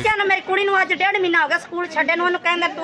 ਦੱਸਿਆ ਨਾ ਮੇਰੀ ਕੁੜੀ ਨੂੰ ਅੱਜ 1.5 ਮਹੀਨਾ ਹੋ ਗਿਆ ਸਕੂਲ ਛੱਡੇ ਨੂੰ। ਉਹਨੂੰ ਕਹਿੰਦਾ ਤੂੰ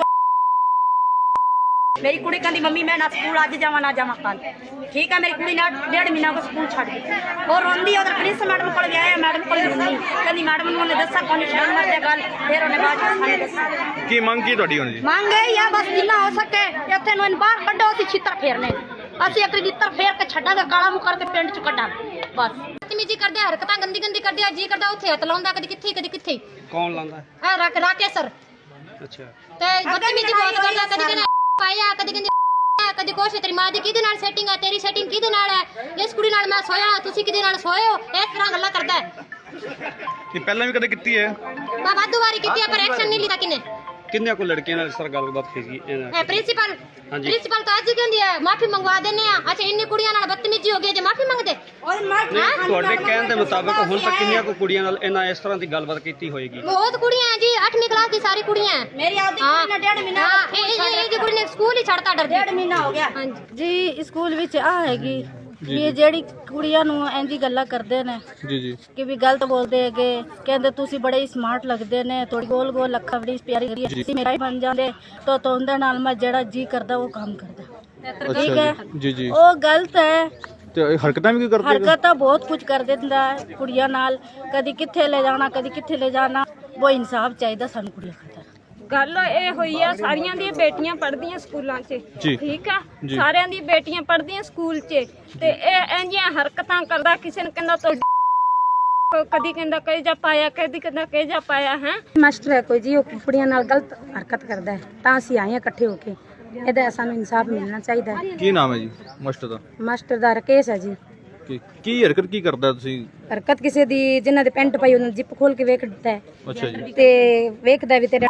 ਮੇਰੀ ਕੁੜੀ ਕਹਿੰਦੀ ਮੰਮੀ ਮੈਂ ਨਾ ਸਕੂਲ ਅੱਜ ਜਾਵਾਂ ਨਾ ਜਾਵਾਂ ਕੱਲ। ਠੀਕ ਹੈ, ਮੇਰੀ ਕੁੜੀ ਨੇ 1.5 ਮਹੀਨਾ ਹੋ ਗਿਆ ਸਕੂਲ ਛੱਡ ਗਈ। ਉਹ ਰੋਂਦੀ ਉਧਰ ਪ੍ਰਿੰਸੀਪਲ ਮੈਡਮ ਕੋਲ ਗਿਆ, ਮੈਡਮ ਕੋਲ ਰੋਂਦੀ ਕਹਿੰਦੀ ਮੈਡਮ ਨੂੰ ਉਹਨੇ ਦੱਸਿਆ ਕੋਈ ਸ਼ਰਮ ਮਰਦੇ ਗੱਲ। ਫਿਰ ਉਹਨੇ ਬਾਅਦ ਵਿੱਚ ਸਾਨੂੰ ਦੱਸਿਆ। ਕੀ ਮੰਗ ਕੀ ਤੁਹਾਡੀ ਹੁਣ ਜੀ? ਮੰਗ ਇਹ ਆ ਬਸ ਜਿੰਨਾ ਹੋ ਸਕੇ ਇੱਥੇ ਨੂੰ ਇਹਨੂੰ ਬਾਹਰ ਕੱਢੋ। ਅਸੀਂ ਛਿੱਤਰ ਫੇਰਨੇ, ਅਸੀਂ ਇੱਕ ਛਿੱਤਰ ਫੇਰ ਕੇ ਛੱਡਾਂਗੇ, ਕਾਲਾ ਮੂੰਹ ਕਰਕੇ ਪਿੰਡ ਚ ਕੱਢਾਂਗੇ ਬਸ। ਬਦਤਮੀਜੀ ਕਰਦੇ, ਹਰਕਤਾਂ ਗੰਦੀ ਗੰਦੀ ਕਰਦੇ ਆ। ਜੀ ਕਰਦਾ ਉੱਥੇ ਹੱਥ ਲਾਉਂਦਾ, ਕਦੀ ਕਿੱਥੇ ਕਦੀ ਕਿੱਥੇ। ਕੌਣ ਲਾਉਂਦਾ? ਇਹ ਰਾਕੇਸ਼ ਸਰ। ਅੱਛਾ। ਤੇ ਬਦਤਮੀਜੀ ਬਹੁਤ ਕਰਦਾ, ਕਦੀ ਕਹਿੰਦਾ ਪਾਇਆ, ਕਦੀ ਕਹਿੰਦੀ ਕਦੀ ਕੁਛ। ਤੇਰੀ ਮਾਂ ਦੀ ਕਿਹਦੇ ਨਾਲ ਸੈਟਿੰਗ ਆ, ਤੇਰੀ ਸੈਟਿੰਗ ਕਿਹਦੇ ਨਾਲ ਹੈ, ਇਸ ਕੁੜੀ ਨਾਲ ਮੈਂ ਸੋਇਆ, ਤੁਸੀਂ ਕਿਹਦੇ ਨਾਲ ਸੋਏ ਹੋ, ਇਸ ਤਰ੍ਹਾਂ ਗੱਲਾਂ ਕਰਦਾ ਹੈ। ਇਹ ਪਹਿਲਾਂ ਵੀ ਕਦੇ ਕੀਤੀ ਹੈ? ਮੈਂ ਵਾਧੂ ਵਾਰੀ ਕੀਤੀ ਹੈ ਪਰ ਐਕਸ਼ਨ ਨਹੀਂ ਲਿਆ ਕਿਨੇ। ਕਿੰਨੇ ਕੋ ਲੜਕੀਆਂ ਨਾਲ ਇਸ ਤਰ੍ਹਾਂ ਗੱਲਬਾਤ ਕੀਤੀ? ਪ੍ਰਿੰਸੀਪਲ ਤਾਂ ਅੱਜ ਹੀ ਕਹਿੰਦੀ ਹੈ ਮਾਫੀ ਮੰਗਵਾ ਦਿੰਨੇ ਆ। ਅੱਛਾ ਇੰਨੀ ਕੁੜੀਆਂ ਨਾਲ ਬਦਤਮੀਜੀ ਹੋ ਗਈ ਜੇ ਮਾਫੀ ਮੰਗਦੇ। ਤੁਹਾਡੇ ਕਹਿਣ ਦੇ ਮੁਤਾਬਕ ਹੁਣ ਤੱਕ ਕਿੰਨੀਆਂ ਕੋ ਕੁੜੀਆਂ ਨਾਲ ਇਹਨਾਂ ਇਸ ਤਰ੍ਹਾਂ ਦੀ ਗੱਲਬਾਤ ਕੀਤੀ ਹੋਏਗੀ? ਬਹੁਤ ਕੁੜੀਆਂ ਹੈ ਜੀ, 8ਵੀਂ ਕਲਾਸ ਦੀ ਸਾਰੀ ਕੁੜੀਆਂ। ਮੇਰੀ ਆਪਦੀ ਕੁੜੀ ਨੇ 1.5 ਮਹੀਨਾ ਇਹ ਜੀ ਕੁੜੀ ਨੇ ਸਕੂਲ ਹੀ ਛੱਡਤਾ ਡਰ 1.5 ਮਹੀਨਾ ਹੋ ਗਿਆ। ਜੀ ਸਕੂਲ ਵਿੱਚ ਆ ਹੈਗੀ ਵੀ ਜਿਹੜੀ ਕੁੜੀਆਂ ਨੂੰ ਇੰਜੀ ਗੱਲਾਂ ਕਰਦੇ ਨੇ ਜੀ ਕਿ ਵੀ ਗਲਤ ਬੋਲਦੇ ਹੈਗੇ, ਕਹਿੰਦੇ ਤੁਸੀਂ ਬੜੇ ਸਮਾਰਟ ਲੱਗਦੇ ਨੇ, ਥੋੜੀ ਗੋਲ ਗੋਲ ਅੱਖਾਂ ਬੜੀ ਪਿਆਰੀ ਤੁਸੀਂ ਮੇਰਾ ਹੀ ਬਣ ਜਾਂਦੇ ਤਾਂ ਉਹਦੇ ਨਾਲ ਮੈਂ ਜਿਹੜਾ ਜੀ ਕਰਦਾ ਉਹ ਕੰਮ ਕਰਦਾ। ਠੀਕ ਹੈ ਜੀ ਉਹ ਗਲਤ ਹੈ। ਤੇ ਹਰਕਤਾਂ ਵੀ ਕੀ ਕਰਦੇ? ਹਰਕਤਾਂ ਬਹੁਤ ਕੁਝ ਕਰ ਦਿੰਦਾ ਹੈ ਕੁੜੀਆਂ ਨਾਲ, ਕਦੀ ਕਿੱਥੇ ਲੈ ਜਾਣਾ ਕਦੀ ਕਿੱਥੇ ਲੈ ਜਾਣਾ। ਉਹ ਇਨਸਾਫ ਚਾਹੀਦਾ ਸਾਨੂੰ ਕੁੜੀਆਂ ਖਾਤਰ। ਗੱਲ ਇਹ ਹੋਈ ਆ, ਸਾਰੀਆਂ ਦੀਆਂ ਬੇਟੀਆਂ ਪੜ੍ਹਦੀਆਂ ਸਕੂਲਾਂ 'ਚ, ਠੀਕ ਆ, ਸਾਰਿਆਂ ਦੀ ਬੇਟੀਆਂ ਪੜ੍ਹਦੀਆਂ ਸਕੂਲ 'ਚ, ਤੇ ਇਹ ਇੰਜੀਆਂ ਹਰਕਤਾਂ ਕਰਦਾ। ਕਿਸੇ ਨੂੰ ਕਹਿੰਦਾ ਤੋ ਕਦੀ ਕਹਿੰਦਾ ਕਹੇ ਜਾ ਪਾਇਆ, ਕਦੀ ਕਹਿੰਦਾ ਕਹੇ ਜਾ ਪਾਇਆ ਹੈ। ਮਾਸਟਰ ਹੈ ਕੋਈ ਜੀ, ਉਹ ਕੁੜੀਆਂ ਨਾਲ ਗਲਤ ਹਰਕਤ ਕਰਦਾ ਹੈ, ਤਾਂ ਅਸੀਂ ਆਏ ਹਾਂ ਇਕੱਠੇ ਹੋ ਕੇ। ਇਹਦਾ ਸਾਨੂੰ ਇਨਸਾਫ ਮਿਲਣਾ ਚਾਹੀਦਾ ਹੈ। ਕੀ ਨਾਮ ਹੈ ਜੀ ਮਾਸਟਰ ਦਾ? ਮਾਸਟਰ ਦਾ ਰਾਕੇਸ਼ ਹੈ ਜੀ। ਕੀ ਹਰਕਤ ਕੀ ਕਰਦਾ ਤੁਸੀਂ? ਹਰਕਤ ਕਿਸੇ ਦੀ ਜਿਨ੍ਹਾਂ ਦੇ ਪੈਂਟ ਪਾਈ ਉਹਨਾਂ ਜਿੱਪ ਖੋਲ ਕੇ ਵੇਖ ਦਿੱਤਾ ਹੈ। ਅੱਛਾ ਜੀ। ਤੇ ਵੇਖਦਾ ਵੀ ਤੇਰੇ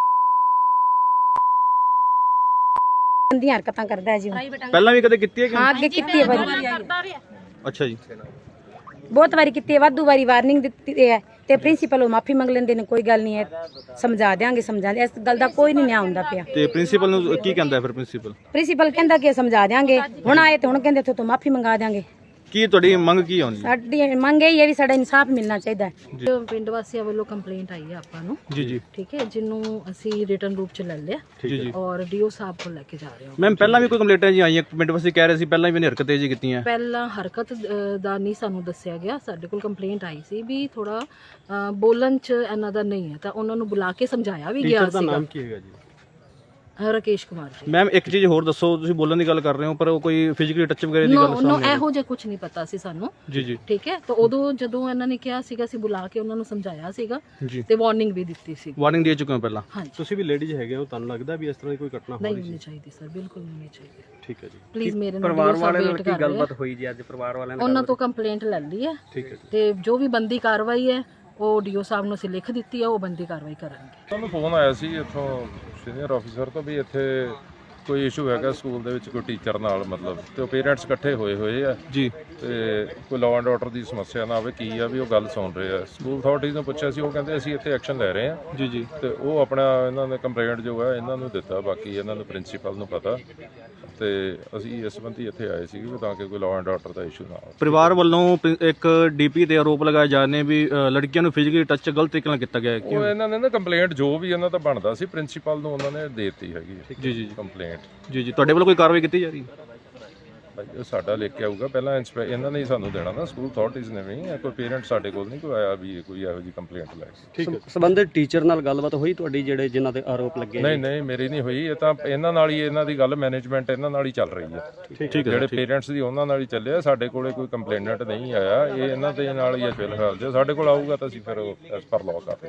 ਗੰਦੀਆਂ ਹਰਕਤਾਂ ਕਰਦਾ ਹੈ ਜੀ। ਪਹਿਲਾਂ ਵੀ ਕਦੇ ਕੀਤੀ ਹੈ ਕਿ? ਹਾਂ ਅੱਗੇ ਕੀਤੀ ਹੈ ਵਾਰੀ। ਅੱਛਾ ਜੀ। ਬਹੁਤ ਵਾਰੀ ਕੀਤੀ ਹੈ, ਵਾਧੂ ਵਾਰੀ ਵਾਰਨਿੰਗ ਦਿੱਤੀ ਹੈ ਤੇ ਪ੍ਰਿੰਸੀਪਲ ਉਹ ਮਾਫੀ ਮੰਗ ਲੈਂਦੇ ਨੇ, ਕੋਈ ਗੱਲ ਨਹੀਂ ਹੈ ਸਮਝਾ ਦਿਆਂਗੇ ਸਮਝਾਉਂਦੇ। ਇਸ ਗੱਲ ਦਾ ਕੋਈ ਨਹੀਂ ਨਿਆਂ ਹੁੰਦਾ ਪਿਆ। ਤੇ ਪ੍ਰਿੰਸੀਪਲ ਨੂੰ ਕੀ ਕਹਿੰਦਾ ਫਿਰ? ਪ੍ਰਿੰਸੀਪਲ ਕਹਿੰਦਾ ਕਿ ਸਮਝਾ ਦਿਆਂਗੇ, ਹੁਣ ਆਏ ਤੇ ਹੁਣ ਕਹਿੰਦੇ ਇੱਥੋਂ ਤੋਂ ਮਾਫੀ ਮੰਗਾ ਦਿਆਂਗੇ। ਕੀ ਤੁਹਾਡੀ ਮੰਗ ਕੀ ਹੋਣੀ? ਸਾਡੀ ਮੰਗ ਇਹ ਹੈ ਵੀ ਸਾਡਾ ਇਨਸਾਫ ਮਿਲਣਾ ਚਾਹੀਦਾ ਹੈ। ਪਿੰਡ ਵਾਸੀਆਂ ਵੱਲੋਂ ਕੰਪਲੇਂਟ ਆਈ ਹੈ ਆਪਾਂ ਨੂੰ। ਜੀ ਠੀਕ ਹੈ, ਜਿਹਨੂੰ ਅਸੀਂ ਰਿਟਨ ਰੂਪ ਚ ਲੈ ਲਿਆ ਜੀ। ਔਰ ਡੀਓ ਸਾਹਿਬ ਕੋਲ ਲੈ ਕੇ ਜਾ ਰਹੇ ਹਾਂ। ਮੈਮ ਪਹਿਲਾਂ ਵੀ ਕੋਈ ਕੰਪਲੇਂਟਾਂ ਜੀ ਆਈਆਂ ਪਿੰਡ ਵਾਸੀ ਕਹਿ ਰਹੇ ਸੀ ਪਹਿਲਾਂ ਵੀ ਹਰਕਤਾਂ ਜੀ ਕੀਤੀਆਂ? ਪਹਿਲਾਂ ਹਰਕਤ ਦਾ ਨਹੀਂ ਸਾਨੂੰ ਦੱਸਿਆ ਗਿਆ, ਸਾਡੇ ਕੋਲ ਕੰਪਲੇਂਟ ਆਈ ਸੀ ਵੀ ਥੋੜਾ ਬੋਲਣ ਚ ਇਹਨਾਂ ਦਾ ਨਹੀਂ ਹੈ, ਤਾਂ ਉਹਨਾਂ ਨੂੰ ਬੁਲਾ ਕੇ ਸਮਝਾਇਆ ਵੀ ਗਿਆ ਸੀਗਾ। ਨਾਮ ਕੀ ਹੈਗਾ ਜੀ? ਰਾਕੇਸ਼ ਕੁਮਾਰ ਜੀ। ਮੈਮ ਇੱਕ ਚੀਜ਼ ਹੋਰ ਦੱਸੋ, ਤੁਸੀਂ ਬੋਲਣ ਦੀ ਗੱਲ ਕਰ ਰਹੇ ਹੋ ਪਰ ਉਹ ਕੋਈ ਫਿਜ਼ੀਕਲੀ ਟੱਚ ਵਗੈਰਾ ਦੀ ਗੱਲ ਨੋ ਇਹੋ ਜਿਹਾ ਕੁਝ ਨਹੀਂ ਪਤਾ ਸੀ ਸਾਨੂੰ। ਜੀ ਠੀਕ ਹੈ, ਤਾਂ ਉਦੋਂ ਜਦੋਂ ਇਹਨਾਂ ਨੇ ਕਿਹਾ ਸੀਗਾ ਅਸੀਂ ਬੁਲਾ ਕੇ ਉਹਨਾਂ ਨੂੰ ਸਮਝਾਇਆ ਸੀਗਾ ਤੇ ਵਾਰਨਿੰਗ ਵੀ ਦਿੱਤੀ ਸੀ। ਵਾਰਨਿੰਗ ਦੇ ਚੁੱਕੇ ਹੋ ਪਹਿਲਾਂ? ਹਾਂਜੀ। ਤੁਸੀਂ ਵੀ ਲੇਡੀਜ਼ ਹੈਗੇ ਹੋ, ਤੁਹਾਨੂੰ ਲੱਗਦਾ ਵੀ ਇਸ ਤਰ੍ਹਾਂ ਦੀ ਕੋਈ ਘਟਨਾ ਨਹੀਂ ਹੋਣੀ ਚਾਹੀਦੀ ਸਰ, ਬਿਲਕੁਲ ਨਹੀਂ ਹੋਣੀ ਚਾਹੀਦੀ। ਠੀਕ ਹੈ ਜੀ। ਪਲੀਜ਼ ਮੇਰੇ ਨਾਲ ਪਰਿਵਾਰ ਵਾਲਿਆਂ ਨਾਲ ਕੀ ਗੱਲਬਾਤ ਹੋਈ ਜੀ ਅੱਜ? ਪਰਿਵਾਰ ਵਾਲਿਆਂ ਨੇ ਉਹਨਾਂ ਤੋਂ ਕੰਪਲੇਂਟ ਲੈ ਲਈ ਹੈ। ਠੀਕ ਹੈ ਜੀ। ਤੇ ਜੋ ਵੀ ਬੰਦੀ ਕਾਰਵਾਈ ਹੈ ਉਹ ਡੀਓ ਸਾਹਿਬ ਨੂੰ ਅਸੀਂ ਲਿਖ ਦਿੱਤੀ ਹੈ, ਉਹ ਬੰਦੀ ਕਾਰਵਾਈ ਕਰਾਂਗੇ। ਸਾਨੂੰ ਫੋਨ ਆਇਆ ਸੀ ਇੱਥੋਂ ਸੀਨੀਅਰ ਆਫੀਸਰ ਤੋਂ ਵੀ ਇੱਥੇ ਕੋਈ ਇਸ਼ੂ ਹੈਗਾ ਸਕੂਲ ਦੇ ਵਿੱਚ ਕੋਈ ਟੀਚਰ ਨਾਲ, ਮਤਲਬ ਤੇ ਉਹ ਪੇਰੈਂਟਸ ਇਕੱਠੇ ਹੋਏ ਆ ਜੀ, ਤੇ ਕੋਈ ਲਾਅ ਐਂਡ ਆਰਡਰ ਦੀ ਸਮੱਸਿਆ ਨਾ ਆਵੇ ਕੀ ਆ ਵੀ ਉਹ ਗੱਲ ਸੁਣ ਰਹੇ ਆ। ਸਕੂਲ ਅਥਾਰਟੀਜ਼ ਨੂੰ ਪੁੱਛਿਆ ਸੀ, ਉਹ ਕਹਿੰਦੇ ਅਸੀਂ ਇੱਥੇ ਐਕਸ਼ਨ ਲੈ ਰਹੇ ਆ। ਜੀ ਤੇ ਉਹ ਆਪਣਾ ਇਹਨਾਂ ਨੇ ਕੰਪਲੇਂਟ ਜੋ ਹੈ ਇਹਨਾਂ ਨੂੰ ਦਿੱਤਾ, ਬਾਕੀ ਇਹਨਾਂ ਨੂੰ ਪ੍ਰਿੰਸੀਪਲ ਨੂੰ ਪਤਾ, ਤੇ ਅਸੀਂ ਇਸ ਸੰਬੰਧੀ ਇੱਥੇ ਆਏ ਸੀ ਤਾਂ ਕਿ ਕੋਈ ਲਾਅ ਐਂਡ ਆਰਡਰ ਦਾ ਇਸ਼ੂ ਨਾ ਆਵੇ। ਪਰਿਵਾਰ ਵੱਲੋਂ ਇੱਕ ਡੀਪੀ ਤੇ ਆਰੋਪ ਲਗਾਏ ਜਾ ਰਹੇ ਨੇ ਵੀ ਲੜਕੀਆਂ ਨੂੰ ਫਿਜ਼ੀਕਲੀ ਟੱਚ ਗਲਤ ਤਰੀਕੇ ਨਾਲ ਕੀਤਾ ਗਿਆ ਹੈ। ਉਹ ਇਹਨਾਂ ਨੇ ਨਾ ਕੰਪਲੇਂਟ ਜੋ ਵੀ ਇਹਨਾਂ ਦਾ ਬਣਦਾ ਸੀ ਪ੍ਰਿੰਸੀਪਲ ਨੂੰ ਉਹਨਾਂ ਨੇ ਦੇ ਦਿੱਤੀ ਹੈਗੀ ਜੀ ਕੰਪਲੇਂਟ। ਜੀ ਤੁਹਾਡੇ ਵੱਲੋਂ ਕੋਈ ਕਾਰਵਾਈ ਕੀਤੀ ਜਾ ਰਹੀ ਹੈ? ਉਹ ਸਾਡਾ ਲਿਖ ਕੇ ਆਊਗਾ ਪਹਿਲਾਂ, ਇਹਨਾਂ ਨੇ ਹੀ ਸਾਨੂੰ ਦੇਣਾ ਨਾ, ਸਕੂਲ ਅਥਾਰਟੀਜ਼ ਨੇ ਵੀ। ਕੋਈ ਪੇਰੈਂਟ ਸਾਡੇ ਕੋਲ ਨਹੀਂ ਕੋਈ ਆਇਆ ਵੀ ਕੋਈ ਇਹੋ ਜਿਹੀ ਕੰਪਲੇਂਟ ਲੈ ਕੇ। ਠੀਕ ਹੈ। ਸੰਬੰਧਿਤ ਟੀਚਰ ਨਾਲ ਗੱਲਬਾਤ ਹੋਈ ਤੁਹਾਡੀ ਜਿਹੜੇ ਜਿਨ੍ਹਾਂ ਦੇ ਆਰੋਪ ਲੱਗੇ? ਨਹੀਂ ਮੇਰੀ ਨਹੀਂ ਹੋਈ, ਇਹ ਤਾਂ ਇਹਨਾਂ ਨਾਲ ਹੀ, ਇਹਨਾਂ ਦੀ ਗੱਲ ਮੈਨੇਜਮੈਂਟ ਇਹਨਾਂ ਨਾਲ ਹੀ ਚੱਲ ਰਹੀ ਹੈ। ਜਿਹੜੇ ਪੇਰੈਂਟਸ ਦੀ ਉਹਨਾਂ ਨਾਲ ਹੀ ਚੱਲਿਆ, ਸਾਡੇ ਕੋਲੇ ਕੋਈ ਕੰਪਲੇਨੈਂਟ ਨਹੀਂ ਆਇਆ। ਇਹ ਇਹਨਾਂ ਦੇ ਨਾਲ ਹੀ ਹੈ ਫਿਲਹਾਲ। ਜੇ ਸਾਡੇ ਕੋਲ ਆਊਗਾ ਤਾਂ ਅਸੀਂ ਫਿਰ ਐਸ ਪਰ ਲਾਅ ਕਰ ਰਹੇ।